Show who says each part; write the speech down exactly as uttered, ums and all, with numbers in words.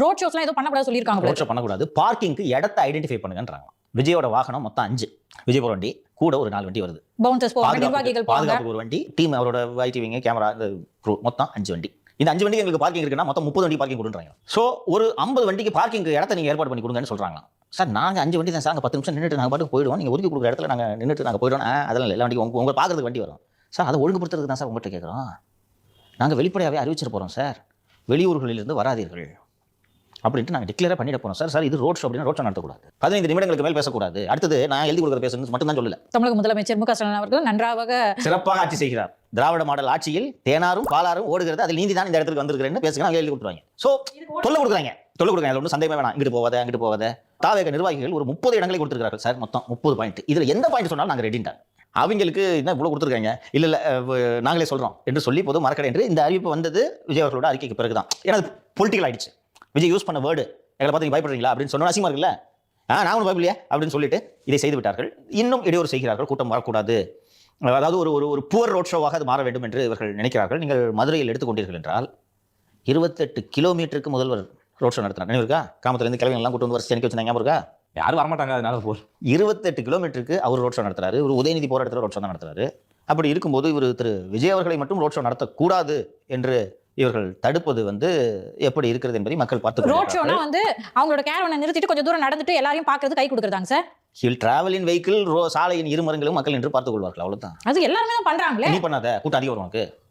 Speaker 1: Road ஷோஸ்லாம் ஏதோ பண்ணக்கூடாது சொல்லியிருக்காங்க.
Speaker 2: ரோட் ஷோ பண்ணக்கூடாது, பார்க்கிங்க்கு இடத்தை ஐடென்டிஃபை பண்ணுங்கன்றாங்க. விஜயோட வாகனம் மொத்தம் அஞ்சு, விஜய் போற வண்டி கூட ஒரு நாலு வண்டி வருது,
Speaker 1: பவுன்சர்ஸ் போவாங்க, நிர்வாகிகள் போவாங்க,
Speaker 2: பாதுகாப்புக்கு ஒரு வண்டி, டீம் அவரோட ஐடிவிங்க கேமரா க்ரூ மொத்தம் அஞ்சு வண்டி. இந்த அஞ்சு வண்டிக்கு எங்களுக்கு பார்க்கிங் இருக்குன்னா மொத்தம் முப்பது வண்டி பார்க்கிங் கொடுன்றாங்க. ஸோ ஒரு ஐம்பது வண்டிக்கு பார்க்கிங் இடத்த நீங்கள் ஏற்பாடு பண்ணி கொடுங்கன்னு சொல்கிறாங்க. சார் நாங்கள் அஞ்சு வண்டி தான் சார், அங்கே பத்து நிமிஷம் நின்றுட்டு நாங்கள் பாட்டுக்கு போயிடுவோம், நீங்கள் ஒதுக்கி கொடுக்குற இடத்துல நாங்கள் நின்றுட்டு நாங்கள் போயிடுவோம். அதெல்லாம் இல்லை, எல்லா வண்டி உங்க உங்களை பார்க்கறதுக்கு வண்டி வரும் சார், அதை ஒழுங்குபடுத்துறதுக்கு தான் சார் உங்கள்கிட்ட கேட்குறோம். நாங்கள் வெளிப்படையாகவே அறிவிச்சிட்டு போகிறோம் சார், வெளியூர்களிலிருந்து வராதீர்கள் அப்படின்ட்டு நாங்கள் டிக்ளேர் பண்ணிட போறோம் சார். சார் இது ரோட் ஷோ அப்படின்னா ரோட் ஷோ நடத்தக்கூடாது, பதினைந்து நிமிடங்களுக்கு மேல் பேசக்கூடாது. அடுத்தது நான் எழுதி கொடுக்குற பேசுறது மட்டும் தான் சொல்லல.
Speaker 1: தமிழக முதலமைச்சர் மு க ஸ்டாலின் அவர்கள் நன்றாக
Speaker 2: சிறப்பாக ஆட்சி செய்கிறார். திராவிட மாடல் ஆட்சியில் தேனாரும் பாலாரும் ஓடுகிறது, அதில் நீதி தான் இந்த இடத்துக்கு வந்திருக்கிறேன்னு பேசுகிறாங்க, எழுதி கொடுத்துருவாங்க. ஸோ தொல்லை கொடுக்குறாங்க, தொல்லை கொடுக்குறாங்க, ஒன்றும் சந்தேகமே வேணாம். இங்கிட்டு போகாத அங்கிட்டு போகாத. தாவேக நிர்வாகிகள் ஒரு முப்பது இடங்களை கொடுத்துருக்காங்க சார், மொத்தம் முப்பது பாயிண்ட். இதில் எந்த பாயிண்ட் சொன்னாலும் நாங்கள் ரெடின்ட்டாங்க. அவங்களுக்கு என்ன இவ்வளோ கொடுத்துருக்காங்க, இல்லை இல்லை நாங்களே சொல்கிறோம் என்று சொல்லி போது மறக்கடை என்று இந்த அறிவிப்பு வந்தது விஜய் அவர்களோட அறிக்கைக்கு பிறகு தான். ஏன்னா அது பொலிட்டிக்கல் ஆயிடுச்சு. விஜய் யூஸ் பண்ண வேர்டு எங்களை பார்த்து நீங்கள் பயப்படுறீங்களா அப்படின்னு சொன்னால் அசிங்கமாக இருக்குல்ல, ஆ நான் ஒன்றும் பயப்படலையே அப்படின்னு சொல்லிட்டு இதை செய்து விட்டார்கள். இன்னும் இடையூறு செய்கிறார்கள், கூட்டம் வரக்கூடாது, அதாவது ஒரு ஒரு புவர் ரோட் ஷோவாக அது மாற வேண்டும் என்று இவர்கள் நினைக்கிறார்கள். நீங்கள் மதுரையில் எடுத்துக்கொண்டீர்கள் என்றால் இருபத்தெட்டு கிலோமீட்டருக்கு முதல்வர் ரோட் ஷோ நடத்தினார். நினைவு இருக்கா? காமத்திலேருந்து கிழமைலாம் கூட்டு வந்து வருஷம் எனக்கு வச்சு ஞாபகம் இருக்கா?
Speaker 3: யாரும் வரமாட்டாங்க, அதனால போர்
Speaker 2: இருபத்தெட்டு கிலோமீட்டருக்கு அவர் ரோட் ஷோ நடத்துறாரு. ஒரு உதயநிதி போகிற இடத்துல ரோட் ஷோ தான் நடத்துறாரு. அப்படி இருக்கும்போது இவர் திரு விஜய் அவர்களை மட்டும் ரோட் ஷோ நடத்தக்கூடாது என்று இவர்கள் தடுப்பது வந்து எப்படி இருக்கிறது என்பதை மக்கள் பார்த்து.
Speaker 1: ரோட் ஷோனா வந்து அவங்களோட கேரவனை நிறுத்திட்டு கொஞ்சம் தூரம் நடந்துட்டு எல்லாரையும் பார்க்கறது கை கொடுக்குறாங்க sir.
Speaker 2: Hill travel in vehicle, சாலையின் இருமரங்களும் மக்கள் என்று பார்த்துக் கொள்வார்கள், அவ்வளவுதான்.
Speaker 1: அது எல்லாருமே தான் பண்றாங்களே.
Speaker 2: நீ பண்ணாத, கூட்டம் அதிகம் வரும் உனக்கு.